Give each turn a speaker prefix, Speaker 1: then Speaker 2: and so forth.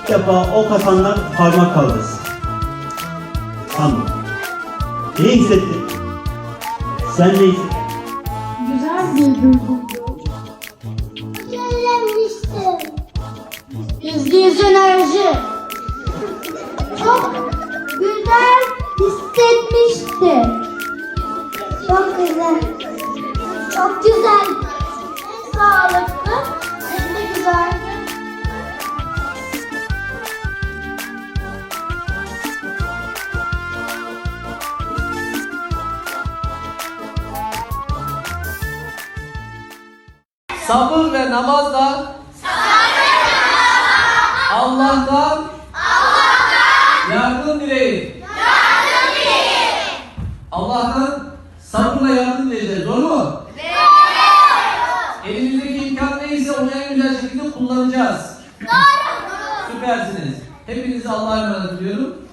Speaker 1: İlk defa o kafandan parmak kaldırsın. Tamam. Ne hissettin? Sen ne hissettin?
Speaker 2: Güzel bir duyguydu.
Speaker 3: Söylemiştim.
Speaker 2: %100 enerji.
Speaker 3: Çok güzel hissetmişti. Çok güzel. Çok güzel. Sağlıklı. Hem de güzel.
Speaker 4: Sabır ve namazla Allah'tan yardım dileyin. Allah'tan sabırla yardım dileyeceğiz. Doğru mu? Elimizdeki imkan neyse onu en güzel şekilde kullanacağız. Süpersiniz. Hepinizi Allah'a emanet ediyorum.